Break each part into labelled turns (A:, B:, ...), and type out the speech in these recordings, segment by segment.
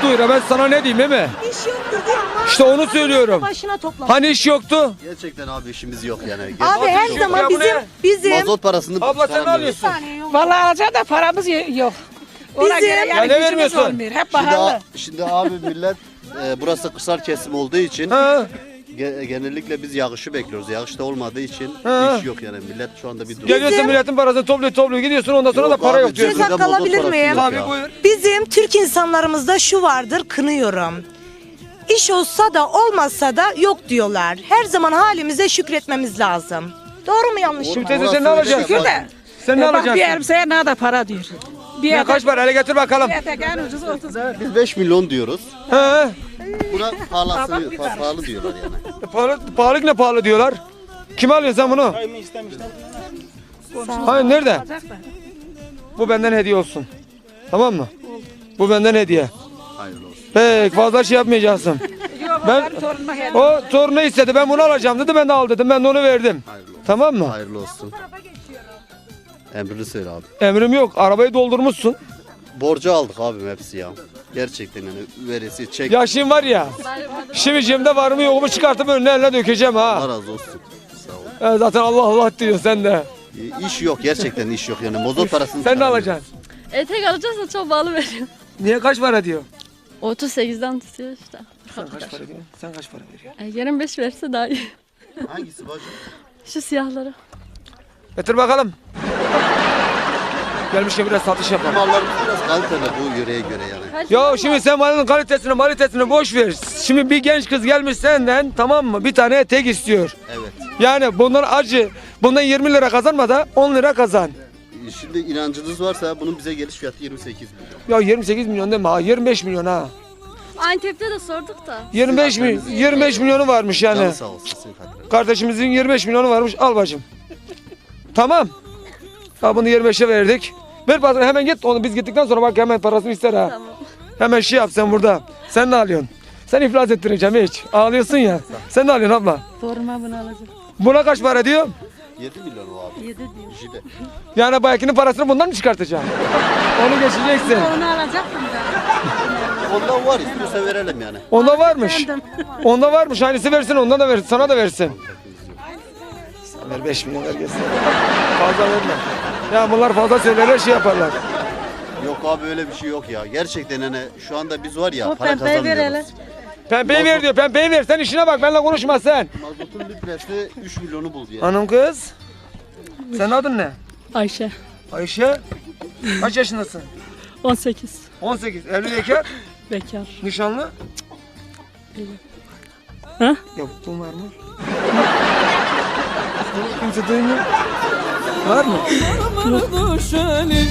A: duyura. Ben sana ne diyeyim değil mi?
B: İş yoktur diyor ama.
A: İşte onu söylüyorum.
B: Başına toplamış.
A: Hani iş yoktu?
C: Gerçekten abi işimiz yok yani.
B: Abi her
A: yok
B: zaman
A: ya, bu ne?
B: bizim
C: Mazot parasını
A: Abla sen ne
C: çıkaramıyoruz.
A: alıyorsun?
D: Vallahi alacağım da paramız yok. Ona
B: Bizim-
D: göre
A: Ya
D: yani
A: ne
D: gücümüz
A: vermiyorsun?
D: olmuyor. Hep
C: Şimdi,
D: pahalı.
C: şimdi abi millet burası kırsal kesim olduğu için
A: Ha?
C: genellikle biz yağışı bekliyoruz. Yağış da olmadığı için
A: Ha.
C: iş yok yani. Millet şu anda bir durum.
A: Geliyorsun milletin parasını topluyor gidiyorsun ondan sonra
C: Yok
A: da para
C: abi,
A: yok diyorsun.
B: Söz
C: cebinde
B: hakkı
C: mazot
B: alabilir
C: parası
B: miyim?
C: yok
A: Tabii
C: ya.
A: buyur.
B: Bizim Türk insanlarımızda şu vardır, kınıyorum. İş olsa da olmasa da yok diyorlar. Her zaman halimize şükretmemiz lazım. Doğru mu yanlış mı?
A: Şimdi teyze sen ne alacaksın?
D: Şükür de.
A: Sen ne
D: Bak bir
A: alacaksın?
D: elbiseye ne da para diyor. Bir
A: Ya kaç para hele getir bakalım.
D: etek en ucuz 30 lira.
C: Biz 5 milyon diyoruz.
A: He.
C: Buna pahalı diyorlar yani.
A: Pahalı ne pahalı diyorlar. Kim alıyorsun sen bunu? Hayır nerede?
D: Alacak da.
A: Bu benden hediye olsun. Tamam mı? Bu benden hediye.
C: Hayırlı olsun.
A: Pek fazla şey yapmayacaksın.
D: Yok
A: Ben-
D: benim torunuma hediye.
A: O torunu istedi ben bunu alacağım dedi ben de al dedim ben de onu verdim.
C: Hayırlı olsun.
A: Tamam mı?
C: Hayırlı olsun. Emrini söyle abi.
A: Emrim yok arabayı doldurmuşsun.
C: Borcu aldık abim hepsi ya. Gerçekten yani veresi çek.
A: Ya şimdi var ya. Şimdi cebimde var mı yok mu çıkartıp önüne eline dökeceğim
C: Allah
A: ha.
C: razı olsun. Sağ ol.
A: Zaten Allah Allah diyor sen de.
C: İş yok gerçekten iş yok yani. Mazot parasını
A: Sen ne
C: çıkaramıyoruz.
A: alacaksın?
E: Etek alacağız da çok pahalı veriyor.
A: Niye kaç para diyor?
E: 38'den tutuyor işte.
A: Sen kaç para diyorsun? Sen kaç para veriyorsun?
E: 25 verse daha iyi.
C: Hangisi bacım?
E: Şu siyahları.
A: Getir bakalım. Gelmişken biraz satış yapalım.
C: Mallarımız biraz kaliteli bu yöreye göre yani.
A: Ya şimdi sen malın kalitesini boş ver. Şimdi bir genç kız gelmiş senden tamam mı? Bir tane etek istiyor.
C: Evet.
A: Yani bundan acı. Bundan 20 lira kazanma da 10 lira kazan.
C: Şimdi inancınız varsa bunun bize geliş fiyatı 28 milyon.
A: Ya 28 milyon deme ha 25 milyon ha.
E: Antep'te de sorduk da.
A: 25 milyonu varmış yani.
C: Canı sağ olsun sen Kadir.
A: Kardeşimizin 25 milyonu varmış al bacım. Tamam. Ha bunu 25'e verdik. Ver parasını hemen git onu biz gittikten sonra bak hemen parasını ister ha.
E: Tamam.
A: Hemen şey yap sen burada. Sen ne alıyorsun? Sen iflas ettireceğim hiç. Ağlıyorsun ya. Sen ne alıyorsun abla?
E: Forma bunu alacağım.
A: Buna kaç para diyor?
C: 7 milyon o abi.
E: 7 diyor.
C: Jile.
A: Yani bayakinin parasını bundan mı çıkartacaksın? Onu geçeceksin.
D: Onu alacaktım da.
C: Ondan var istiyorsa verelim yani.
A: Onda varmış. Onda varmış. Aynısı versin ondan da versin. Sana da versin. Sen ver 5 milyon ver gelsin. Fazla verme. Ya bunlar fazla söylerler şey yaparlar.
C: Yok abi öyle bir şey yok ya. Gerçekten hani şu anda biz var ya
D: O
C: para
D: pembeyi ver hele.
C: kazanmıyoruz.
A: Pembeyi ver diyor. Pembeyi ver. Sen işine bak. Benimle konuşma sen.
C: Mazotun litresi 3 milyonu buldu yani.
A: Hanım kız. Senin adın ne?
E: Ayşe.
A: Ayşe. Kaç yaşındasın?
E: 18.
A: 18. Evli bekar.
E: Bekar.
A: Nişanlı.
E: Ha?
A: Yokluğun var mı? Kimse duymuyor. Var mı?
F: Düşeli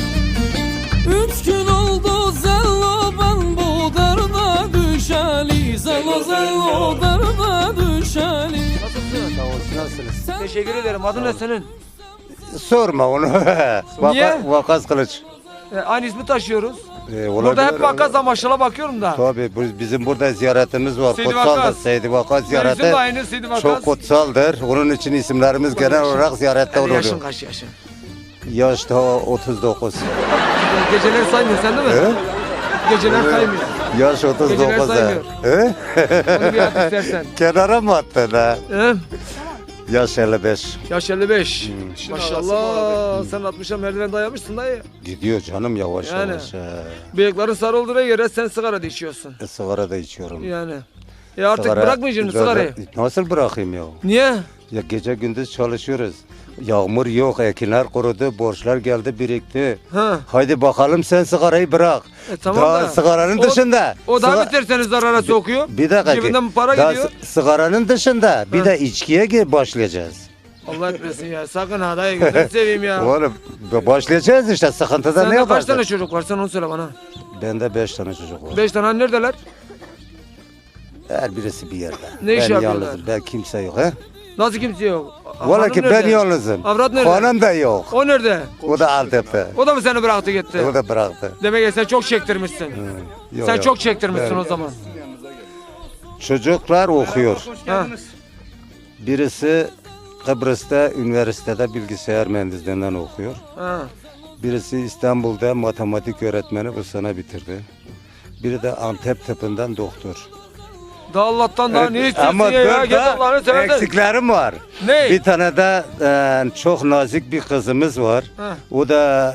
F: 3 gün oldu zello ben bu derde düşeli Zello zello derde düşeli.
G: Sağ olsun, nasılsınız?
A: Teşekkür ederim. Adın ne senin?
G: Sorma onu.
A: Niye?
G: Vakas Kılıç.
A: Aynı ismi taşıyoruz.
G: Olabilir.
A: Burada hep vakas amaçla bakıyorum da.
G: Tabii bizim burada ziyaretimiz var.
A: Seydi
G: Kutsaldır.
A: Vakas.
G: Seydi Vakas
A: Benim isim
G: ziyareti
A: de aynı Seydi Vakas.
G: çok kutsaldır. Onun için isimlerimiz genel olarak ziyarette
A: Yani yaşın
G: oluyor.
A: kaç yaşın?
G: Yaş da 39.
A: Geceleri saymıyor sen değil mi?
G: He?
A: Geceler saymıyor.
G: Yaş 39.
A: Geceler saymıyor.
G: He?
A: Onu bir at istersen.
G: Kenara mı attın ha?
A: He?
G: Yaş 55.
A: Yaş 55. Maşallah sen 60'a merdiven dayamışsın dayı.
G: Gidiyor canım yavaş
A: Yani.
G: yavaş.
A: Bıyıkların sarı olduğuna göre sen sigara da içiyorsun.
G: Sigara da içiyorum.
A: Yani. Artık bırakmayacaksın sigarayı.
G: Nasıl bırakayım ya?
A: Niye?
G: Ya gece gündüz çalışıyoruz. Yağmur yok, ekinler kurudu, borçlar geldi birikti.
A: Ha.
G: Haydi bakalım sen sigarayı bırak.
A: Tamam
G: Daha
A: da.
G: sigaranın dışında.
A: O daha
G: Siga-
A: beter seni zarara sokuyor.
G: Bir dakika.
A: Cebinden para
G: Daha
A: gidiyor.
G: sigaranın dışında bir de içkiye başlayacağız.
A: Allah etmesin ya. Sakın ha dayı gözünü seveyim ya.
G: Oğlum başlayacağız işte sıkıntıda ne
A: Sende kaç
G: yaparsın?
A: tane çocuk var sen onu söyle bana.
G: Bende 5 tane çocuk var.
A: 5 tane hani neredeler?
G: Her birisi bir yerde.
A: Ne iş
G: ben
A: yapıyorlar?
G: yalnızım, ben kimse yok. He?
A: Nasıl kimse yok?
G: Valla
A: Hanım
G: ki ben
A: nerede?
G: yalnızım.
A: Avrat nerede?
G: Hanım da yok.
A: O nerede?
G: O da Antep'te.
A: O da mı seni bıraktı gitti?
G: O da bıraktı.
A: Demek ki sen çok çektirmişsin.
G: Yok,
A: Sen
G: yok.
A: çok çektirmişsin
G: Ben-
A: o zaman.
G: Çocuklar okuyor.
A: Ha.
G: Birisi Kıbrıs'ta üniversitede bilgisayar mühendisliğinden okuyor.
A: Ha.
G: Birisi İstanbul'da matematik öğretmeni bu sene bitirdi. biri de Antep tıpından doktor.
A: Daha Allah'tan daha ne istiyorsun
G: Ama
A: ya? Git Allah'ını
G: dört
A: seversen.
G: eksiklerim var.
A: Ne?
G: Bir tane de çok nazik bir kızımız var.
A: Heh.
G: O da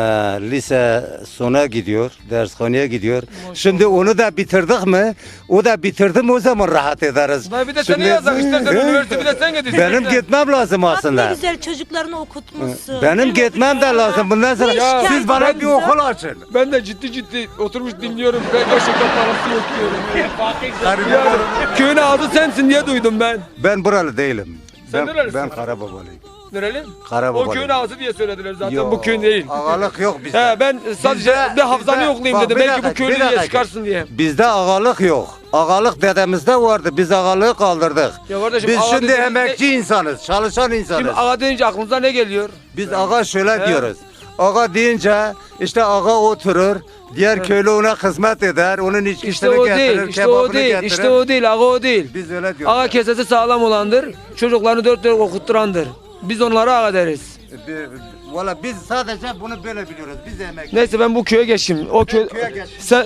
G: lise sona gidiyor, dershaneye gidiyor. Şimdi onu da bitirdik mi? O da bitirdim o zaman rahat ederiz.
A: Dayı bir de seni
G: Şimdi-
A: yazsak istersen üniversite bir de sen git istersen.
G: Benim gitmem lazım
B: Bak ne
G: aslında.
B: güzel çocuklarını okutmuşsun.
G: Benim gitmem de lazım. Bundan sonra
B: Ya,
G: siz bana
B: ben-
G: bir okul açın.
A: Ben de ciddi oturmuş dinliyorum. Ben gerçekten parası yok diyorum. Yani, köyün ağzı sensin diye duydum ben.
G: Ben buralı değilim.
A: Sen
G: Ben,
A: nerelisin?
G: ben Karababalıyım.
A: Nereli?
G: Karababalıyım.
A: O köyün ağzı diye söylediler zaten.
G: Yok,
A: Bu köyün değil.
G: Ağalık yok bizde.
A: He ben sadece
G: Bizde-
A: bir hafızanı
G: bizde-
A: yoklayayım
G: bak,
A: dedim.
G: bir
A: Belki bu
G: dakika,
A: köylü
G: bir
A: diye
G: dakika.
A: çıkarsın diye.
G: Bizde ağalık yok. Ağalık dedemizde vardı. Biz ağalığı kaldırdık.
A: Ya kardeşim,
G: Biz
A: ağa
G: şimdi
A: dediğin-
G: emekçi insanız, çalışan insanız.
A: Şimdi ağa deyince aklınıza ne geliyor?
G: Biz ağa şöyle
A: He.
G: diyoruz. Ağa deyince işte ağa oturur, diğer köylü ona hizmet eder, onun içkisini
A: İşte o
G: getirir,
A: değil, işte
G: kebabını
A: o değil,
G: getirir.
A: işte o değil, ağa o değil.
G: Biz öyle diyoruz.
A: Ağa kesesi sağlam olandır, çocuklarını dört dört okutturandır. Biz onlara ağa deriz.
G: Valla biz sadece bunu böyle biliyoruz. Biz emekçi.
A: Neyse ben bu köye geçeyim. O köy
G: köye geçeyim.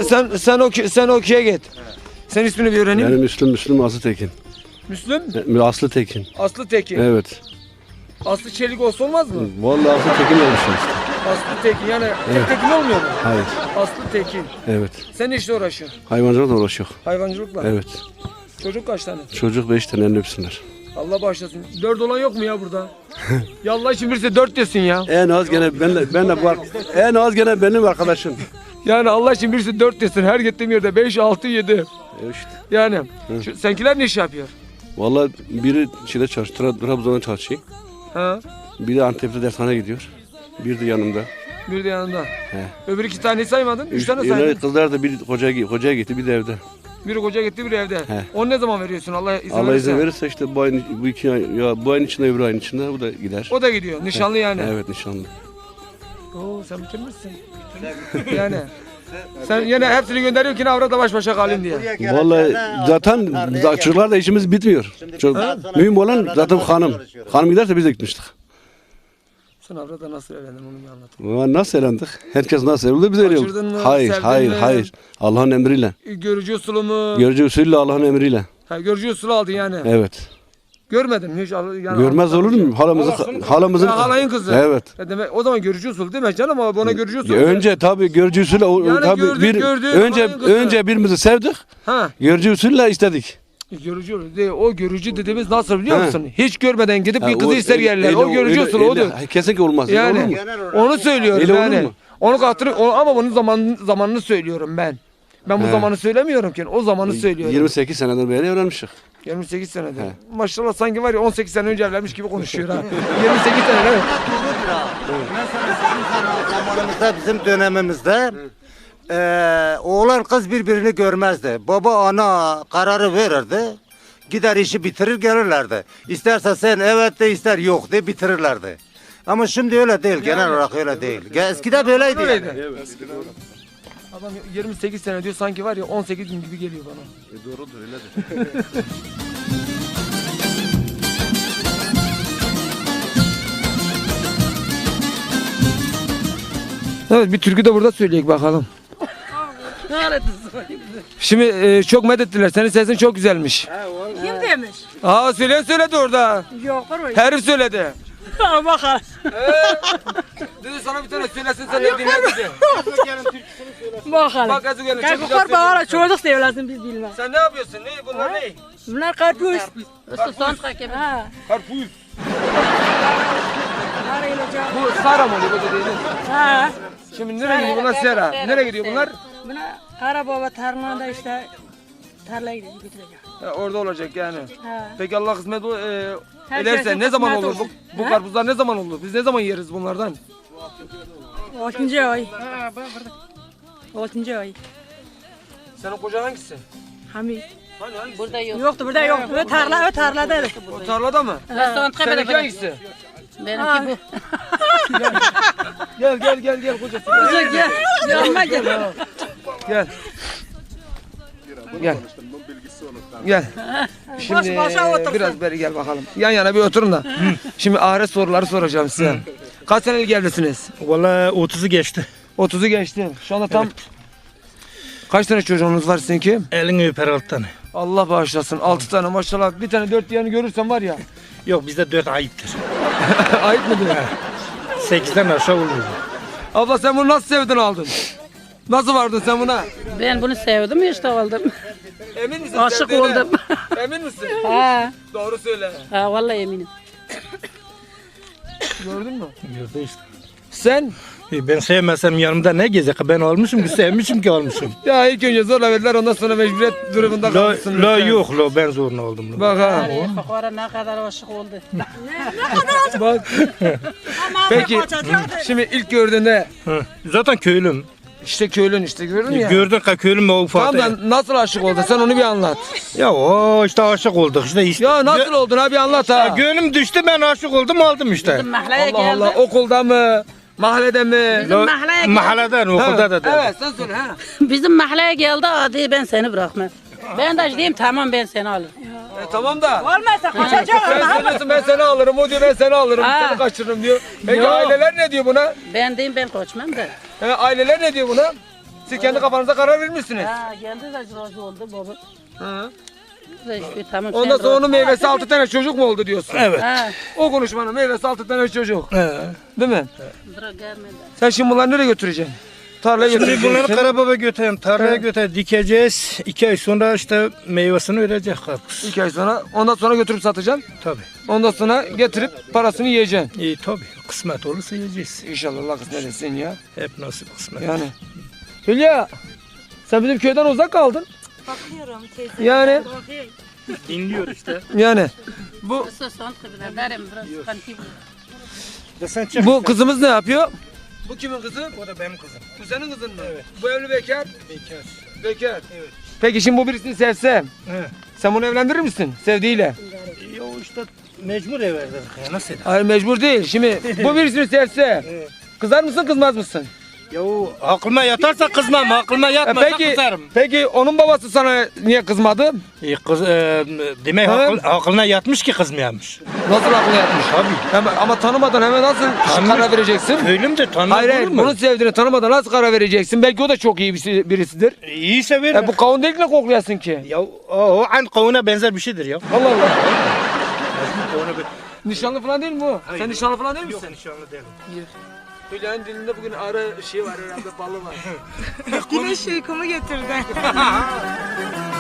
A: sen o köye git. Sen ismini bir öğreneyim.
H: Benim Müslüm Aslı Tekin.
A: Müslüm
H: Aslı Tekin.
A: Aslı Tekin.
H: Evet.
A: Aslı Çelik olsa olmaz mı?
H: Vallahi Aslı Tekin olmuşum işte.
A: Aslı Tekin yani tek Tekin olmuyor mu?
H: Hayır.
A: Aslı Tekin.
H: Evet.
A: Sen ne işle uğraşıyorsun?
H: Hayvancılıkla uğraşıyor.
A: Hayvancılıkla.
H: Evet.
A: Çocuk kaç tane?
H: Çocuk 5 tane elini öpsünler.
A: Allah bağışlasın. 4 olan yok mu ya burada? Ya Allah için birisi 4 desin ya.
H: En az gene benle bu en az gene benim arkadaşım.
A: Yani Allah için birisi 4 desin. Her gittiğim yerde 5, 6, 7.
H: İşte.
A: Yani senkiler ne iş yapıyor?
H: Vallahi biri şeyde çalışıyor, Trabzon'da çalışıyor.
A: Ha?
H: Biri Antep'te dershaneye gidiyor. Bir de yanımda.
A: Bir de yanında. Öbür 2 taneyi saymadın. 3 tane
H: Öyle
A: saydın.
H: kızlar da biri hocaya gitti, bir de evde.
A: Biri koca gitti, biri evde. Onu ne zaman veriyorsun? Allah izin
H: Allah
A: verirse.
H: izin verirse işte bu 2 ay, ya bu ayın içinde öbür ayın içinde bu da gider.
A: O da gidiyor. Nişanlı yani.
H: Evet nişanlı.
A: Oo sen bitirmişsin. yani. Sen yine hepsini gönderiyorsun ki avrat da baş başa kalın diye.
H: Vallahi zaten çocuklar da işimiz bitmiyor. Çok mühim olan zaten hanım. Hanım giderse biz de gitmiştik.
A: Sen avrada nasıl evlendin onu bir anlat.
H: Nasıl eğlendik? Herkes nasıl evlendi biz öyle
A: Kaçırdın mı?
H: Hayır,
A: Sevdin
H: hayır,
A: mi?
H: hayır. Allah'ın emriyle.
A: Görücü usulü mü?
H: Görücü usulüyle Allah'ın emriyle.
A: Ha, görücü usulü aldın yani.
H: Evet.
A: Görmedin mi hiç? Yani
H: Görmez olur mu? Halamızın
A: Ha, halayın kızı.
H: Evet.
A: Demek, o zaman görücü usulü değil mi canım ama bana görücü usulü.
H: Önce tabii görücü usulüyle
A: Yani
H: tabii
A: gördük,
H: önce
A: halayın kızı.
H: önce birbirimizi sevdik.
A: Ha.
H: Görücü usulüyle istedik.
A: Görücü değil. O görücü dediğimiz nasıl biliyor
H: Ha.
A: musun? Hiç görmeden gidip bir
H: Ha,
A: kızı
H: o
A: ister yerler. O görücü usulü odur.
H: Kesinlikle olmaz.
A: Yani
H: Olur mu?
A: onu söylüyorum
H: Öyle olur
A: yani.
H: mu?
A: Onu ama bunun zamanını söylüyorum ben. Ben bu
H: He.
A: zamanı söylemiyorum ki. O zamanı söylüyorum.
H: 28 seneden beri evlenmişik.
A: 28 senedir.
H: He.
A: Maşallah sanki var ya 18 sene önce evlenmiş gibi konuşuyor ha. 28 sene evet.
G: Mesela sizin zamanımızda, bizim dönemimizde oğlan kız birbirini görmezdi. Baba ana kararı verirdi. Gider işi bitirir gelirlerdi. İsterse sen evet de ister yok de bitirirlerdi. Ama şimdi öyle değil. Genel olarak öyle değil. Eskiden böyleydi.
A: Öyleydi.
G: Yani.
A: Adam 28 sene diyor sanki var ya 18 gün gibi geliyor bana.
H: Doğrudur öyledir.
A: Evet bir türkü de burada söyleyek bakalım. Şimdi çok medettiler. Senin sesin çok güzelmiş.
D: Kim demiş?
A: Aa söyleyen söyledi orada.
D: Yok orayı.
A: Herif söyledi.
D: Bakalım.
A: Dedi sana bir tane söylesin sen de dinle dedi.
D: Bakalım.
A: Bak Ezu gelin çok güzel
D: Kalkıp
A: söylüyor.
D: bana çocuk sevlesin biz bilmez.
A: Sen ne yapıyorsun? Ne? Bunlar ne?
D: Bunlar karpuz. Ha.
A: Karpuz.
D: Arayılacak.
A: Bu Sara mı oluyor bu dediğiniz?
D: Ha.
A: Şimdi nereye gidiyor bunlar Sera? Nereye gidiyor bunlar?
D: Buna Karababa tarlanda işte tarlaya gidecek götürecek.
A: Orada olacak yani.
D: Ha.
A: Peki Allah kısmet
D: Her
A: ederse
D: şeysin
A: ne zaman
D: kısmet
A: olur?
D: olsun.
A: Bu
D: Ha?
A: karpuzlar ne zaman olur? Biz ne zaman yeriz bunlardan?
D: 6. ay. 6. ay.
A: Senin kocan hangisi?
D: Hamid.
A: Hani hangisi?
D: Burada yok. Yoktu burada yok. O tarladaydı.
A: O tarlada mı? Seninki hangisi?
D: Benimki bu.
A: Gel kocası.
D: Gel. Yanıma gel.
A: Gel. Gel. Gel. Şimdi
D: başa otursun.
A: biraz beri gel bakalım. Yan yana bir oturun da. Şimdi ahiret soruları soracağım size. Kaç senelik evlisiniz?
I: Vallahi 30'u geçti.
A: 30'u geçti. Şu anda tam Kaç tane çocuğunuz var seninki?
I: Elini öper 6 tane.
A: Allah bağışlasın. 6 tane maşallah. Bir tane 4 diğerini görürsen var ya.
I: Yok bizde 4 ayıptır.
A: Ayıp mıdır?
I: 8'den aşağı olur.
A: Abla sen bunu nasıl sevdin aldın? Nasıl vardın sen buna?
D: Ben bunu sevdim işte aldım.
A: Emin misin?
D: Aşık
A: sevdiğine?
D: oldum.
A: Emin misin?
D: Ha,
A: Doğru söyle.
D: ha vallahi eminim.
A: Gördün mü?
I: Gördü işte.
A: Sen?
I: Ben sevmesem yanımda ne gezecek? Ben almışım ki sevmişim ki almışım.
A: Ya ilk önce zorla verdiler ondan sonra mecburiyet durumunda
I: La,
A: kalmışsın.
I: la
A: lütfen.
I: yok la ben zoruna aldım. La.
A: Bak ha.
D: Fakara ne kadar aşık oldu.
A: Bak. Peki şimdi ilk gördüğünde
I: Hı. Zaten köylüm.
A: işte köylün işte gördün ya.
I: Gördün ki köylüm o ufak.
A: Tamam da nasıl aşık oldun sen onu bir anlat.
I: Ya o işte aşık olduk işte.
A: Ya nasıl oldun ha bir anlat ha.
I: Gönlüm düştü ben aşık oldum aldım işte.
D: Mahalleye
A: Allah
D: geldi.
A: Allah okulda mı? Mahallede mi?
D: Bizim mahalleye geldi.
I: Mahalleden okulda da.
A: Evet sen söyle ha.
D: Bizim mahalleye geldi hadi ben seni bırakmam. Ben de diyeyim tamam ben seni alırım.
A: Tamam da.
B: Olmazsa kaçacağım.
A: Sen söylüyorsun ben seni alırım o diyor ben seni alırım
D: Ha.
A: seni kaçırırım diyor. Peki
D: Yok.
A: aileler ne diyor buna?
D: Ben diyeyim ben kaçmam da.
A: Aileler ne diyor buna? Siz kendi kafanıza karar vermişsiniz.
D: Ha geldi de razı oldu baba.
A: Hı.
D: İşte, tamam,
A: Ondan
D: sen
A: sonra onun meyvesi 6 tane çocuk mu oldu diyorsun?
I: Evet.
D: Ha,
A: O konuşmanın meyvesi 6 tane çocuk. Değil mi?
D: bırak gelmedi.
A: Sen şimdi bunları nereye götüreceksin? Tarlaya
I: Şimdi
A: götüreceksin.
I: bunları Karababa götürelim, tarlaya götürelim, dikeceğiz. 2 ay sonra işte meyvesini verecek karpuz.
A: 2 ay sonra. Ondan sonra götürüp satacaksın.
I: Tabii.
A: Ondan sonra getirip parasını yiyeceksin.
I: İyi tabii. Kısmet olursa yiyeceğiz.
A: İnşallah Allah kısmet etsin ya.
I: Hep nasip kısmet.
A: Yani. Hülya. Sen bizim köyden uzak kaldın.
B: Bakıyorum teyze.
A: Yani.
I: Dinliyor işte.
A: Yani. Bu
D: Sus son kızlar derim biraz kanki bu.
I: Sen çık.
A: bu kızımız ne yapıyor? Bu kimin kızı?
I: O da benim kızım.
A: Bu senin kızın mı? Evet. Bu evli bekar?
I: Bekar.
A: Bekar. Evet. Peki şimdi bu birisini sevse,
I: He.
A: sen bunu evlendirir misin sevdiğiyle?
I: Ya o işte mecbur ev verdik ya nasıl eder?
A: Hayır mecbur değil. Şimdi bu birisini sevse,
I: Evet.
A: kızar mısın kızmaz mısın?
I: Ya o aklıma yatarsa kızmam, aklıma yatmazsa kızarım.
A: peki onun babası sana niye kızmadı?
I: Demek
A: He?
I: aklına yatmış ki kızmayamış.
A: Nasıl aklına yatmış?
I: Tabii.
A: Ama tanımadan hemen nasıl karar vereceksin?
I: Köylüm de tanımaz
A: Hayır
I: olur
A: hayır
I: mu?
A: bunu sevdiğini tanımadan nasıl karar vereceksin? Belki o da çok iyi birisidir.
I: İyi severim.
A: Bu kavun değil ne koklayasın ki?
I: Ya o an kavuna benzer bir şeydir ya.
A: Allah Allah.
I: Kavuna
A: Nişanlı falan değil mi bu? Sen nişanlı falan değil
I: Yok
A: misin?
I: nişanlı değilim.
A: Hülya'nın dilinde bugün arı şey var herhalde balı var.
B: Güneş uykumu getirdi.